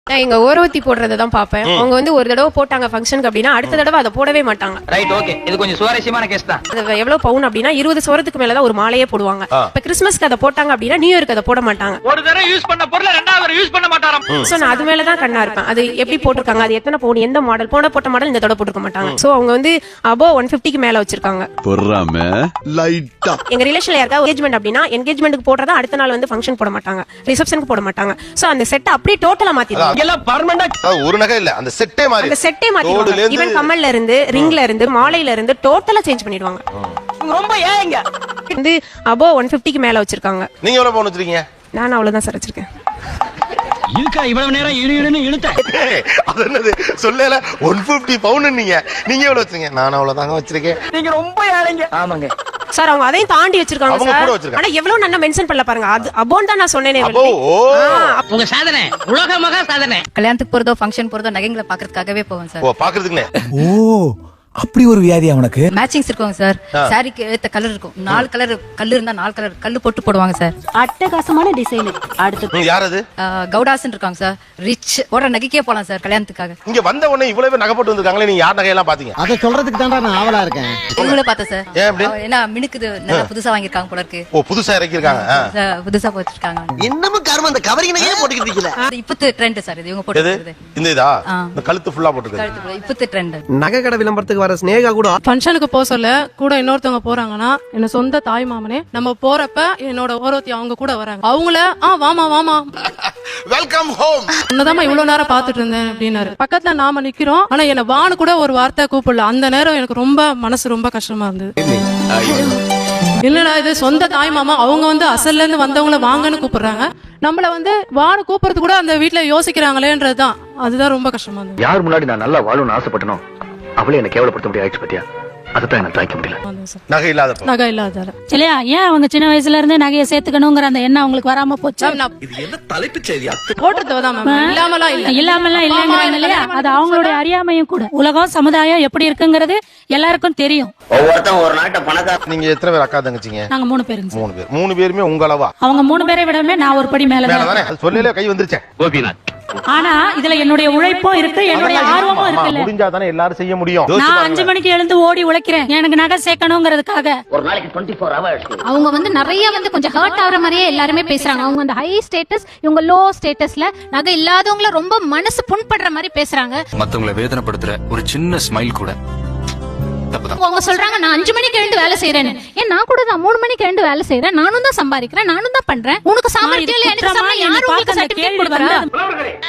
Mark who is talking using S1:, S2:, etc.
S1: நான் எங்க ஓரவத்தி போடுறத தான் பாப்பேன். அவங்க வந்து ஒரு தடவை போட்டாங்க ஃபங்க்ஷனுக்கு அப்படின்னா அடுத்த தடவை அதை போடவே மாட்டாங்க.
S2: Right, okay. இது கொஞ்சம் சுவாரஸ்யமான கேஸ் தான்.
S1: அது எவ்வளவு பவுன் அப்படின்னா 20 சவரத்துக்கு மேலதான் ஒரு மாலையே போடுவாங்க. இப்ப கிறிஸ்மஸ்க்கு அதை போட்டாங்க அப்படின்னா நியூ இயர்க்கு அதை போட மாட்டாங்க.
S2: ஒரு தடவை யூஸ் பண்ண பொருளை ரெண்டாவது தடவை யூஸ் பண்ண மாட்டாராம்.
S1: சோ நான் அது மேலதான் கண்ணா இருப்பேன். அது எப்படி போட்டிருக்காங்க, அது எத்தனை பவுன், எந்த மாடல், போட்ட மாடல் இந்த தடவை போட்டுக்க மாட்டாங்க. சோ அவங்க வந்து above 150க்கு மேல வச்சிருக்காங்க. எங்க ரிலேஷன்ல யாருக்கா என்கேஜ்மெண்ட் அப்படின்னா என்கேஜ்மென்ட்க்கு போடுறதா அடுத்த நாள் வந்து ஃபங்க்ஷன் போட மாட்டாங்க, ரிசப்ஷனுக்கு போட மாட்டாங்க. சோ அந்த செட் அப்படியே டோட்டலா மாத்திடுவாங்க.
S2: எல்லாம் பெர்மனன்ட்.
S3: ஒரு நகை இல்ல, அந்த செட்டே
S1: மாத்திடுவாங்க. ஈவன் கம்மல்ல இருந்து, ரிங்ல இருந்து, மாலையில இருந்து டோட்டலா சேஞ்ச் பண்ணிடுவாங்க.
S2: ரொம்ப ஏங்க
S1: வந்து above 150க்கு மேல வச்சிருக்காங்க.
S3: நீங்க எவ்வளவு பவுன் வச்சிருக்கீங்க?
S1: நான் அவ்வளவுதான் சார் வச்சிருக்கேன்.
S2: இருக்கா இவ்வளவு நேரம் இழுன்னு இழுத்த.
S3: அது என்னது சொல்லல 150 பவுன் நீங்க எவ்வளவு வச்சிருக்கீங்க? நான் அவ்வளவுதாங்க வச்சிருக்கேன்.
S2: நீங்க ரொம்ப ஏழைங்க. ஆமாங்க
S1: சார் அவங்க அதையும் தாண்டி வச்சிருக்காங்க
S3: அவங்க கூட வச்சிருக்காங்க.
S1: ஆனா எவ்வளவு நல்லா மென்ஷன் பண்ணல பாருங்க. அது அபோன் தான் நான் சொன்னேனே.
S2: உங்க சாதனை உலக மகா சாதனை.
S4: கல்யாணத்துக்கு போறதோ ஃபங்க்ஷன் போறதோ நகைங்களை பாக்குறதுக்காகவே போவோம் சார்.
S3: ஓ பாக்குறதுக்குனே.
S5: ஓ அப்படி ஒரு வியாதியா உனக்கு?
S4: மேட்சிங்ஸ் இருக்கும் சார். சாரிக்கு ஏத்த கலர் இருக்கும். 4 கலர் கல்லு இருந்தா 4 கலர் கல்லு போட்டு போடுவாங்க சார்.
S6: அட்டகாசமான டிசைன். அடுத்து
S3: யார் அது?
S4: கவுடாசன் இருக்காங்க சார். ரிச் போற நகைக்கே போலாம் சார் கல்யாணத்துக்காக.
S3: இங்க வந்த உடனே இவ்வளவு நகை போட்டு வந்திருக்காங்களே, நீங்க யார் நகையெல்லாம் பாத்தீங்க?
S5: அத சொல்றதுக்கு தான்டா நான் ஆவலா இருக்கேன்.
S4: இவங்களே பார்த்தேன் சார்.
S3: ஏன் அப்படி?
S4: ஏன்னா மினுக்குது நல்லா புதுசா வாங்கிருக்காங்க போல இருக்கு.
S3: ஓ புதுசா இறக்கி இருக்காங்க.
S4: புதுசா போட்டுருக்காங்க.
S7: இன்னமும் கர்மம் அந்த கவரிங் நகையே போட்டுக்கிட்டு இருக்கீங்க.
S4: இப்பத்து ட்ரெண்ட் சார் இது. இவங்க போட்டுருக்குது
S3: இந்த இதா இந்த கழுத்து ஃபுல்லா போட்டுருக்கு.
S4: இப்பத்து ட்ரெண்ட்.
S7: நகை கடை விளம்பரத்துக்கு வர ஸ்னேகா கூட
S8: ஃபங்க்ஷனுக்கு போக சொல்ல கூட இன்னொருத்தவங்க போறாங்கன்னா என்ன சொந்த தாய் மாமனே நம்ம போறப்ப என்னோட ஓரவத்தி அவங்க கூட வராங்க. அவங்கள வாமா
S3: வெல்கம் ஹோம்
S8: உன்னதாமா இவ்வளவு நேரம் பாத்துட்டு இருந்தேன் அப்படின்னாரு. பக்கத்துல நாம நிக்கிறோம். ஆனா என்ன வான்னு கூட ஒரு வார்த்தை கூப்பிடல. அந்த நேரம் எனக்கு ரொம்ப மனசு ரொம்ப கஷ்டமா இருந்தது. இல்லடா இது சொந்த தாய் மாமா, அவங்க வந்து அசல்ல இருந்து வந்தவங்கள வாங்கன்னு கூப்பிடுறாங்க. நம்மள வந்து வான்னு கூப்பிடுறது கூட அந்த வீட்டுல யோசிக்கிறாங்களேன்றதுதான். அதுதான் ரொம்ப கஷ்டமா இருந்தது.
S9: யார் முன்னாடி நான் நல்லா வாழணும்னு ஆசைப்பட்டனோ அவளே என்ன கேவலப்படுத்த முடியாது பத்தியா. அதான் எனக்கு தாய்க்க முடியல.
S3: நகை இல்லாத
S8: நகை இல்லாதால
S6: இல்லையா? ஏன் அவங்க சின்ன வயசுல இருந்து நகையை சேர்த்துக்கணுங்கிற அந்த எண்ணம் அவங்களுக்கு வராம போச்சு.
S9: இது என்ன தலைப்பு செய்தியா?
S8: போட்டுறதுதான் இல்லாமலாம்
S6: இல்லைங்கிறாங்க இல்லையா? அது அவங்களுடைய அறியாமையும் கூட. உலகம் சமுதாயம் எப்படி இருக்குங்கிறது எல்லாருக்கும் தெரியும்.
S7: ஒவ்வொருத்தன் ஒரு நாட்டை பணக்கார.
S3: நீங்க எத்தனை பேர் அக்கா தங்கச்சிங்க?
S6: நாங்க 3 பேருங்க.
S3: 3 பேர். 3 பேருமே உங்க அளவா?
S6: அவங்க 3 பேரை விடவே நான் ஒரு படி மேலதானே.
S3: அது சொல்லல கை வந்துருச்சேன்.
S9: கோபிநாத்.
S6: ஆனா இதுல என்னுடைய உழைப்பும் இருக்கு, என்னுடைய ஆர்வமும் இருக்குல்ல.
S3: முடிஞ்சாதானே எல்லாரும் செய்ய முடியும்.
S6: நான் 5 மணிக்கு எழுந்து ஓடி உழைக்கிறேன் எனக்கு நகை சேர்க்கணுங்கிறதுக்காக.
S7: ஒரு நாளைக்கு 24 hours.
S10: அவங்க வந்து நிறைய வந்து கொஞ்சம் ஹர்ட் ஆகுற மாதிரியே எல்லாருமே பேசுறாங்க. அவங்க அந்த ஹை ஸ்டேட்டஸ், இவங்க லோ ஸ்டேட்டஸ்ல நகை இல்லாதவங்கள ரொம்ப மனசு புண்படுற மாதிரி பேசுறாங்க.
S9: மத்தவங்களை வேதனைப்படுத்துற ஒரு சின்ன ஸ்மைல் கூட தப்புதான்.
S10: அவங்க சொல்றாங்க நான் 5 மணிக்கு எழுந்து வேலை செய்யறேன்னு. ஏன் நான் கூட தான் 3 மணிக்கு எழுந்து வேலை செய்யறேன். நானும் தான் சம்பாதிக்கிறேன், நானும் தான் பண்றேன். உனக்கு சாமர்த்தியம் இல்ல, எனக்கு யாரும் உங்களுக்கு சர்டிபிகேட் கொடுக்கறா?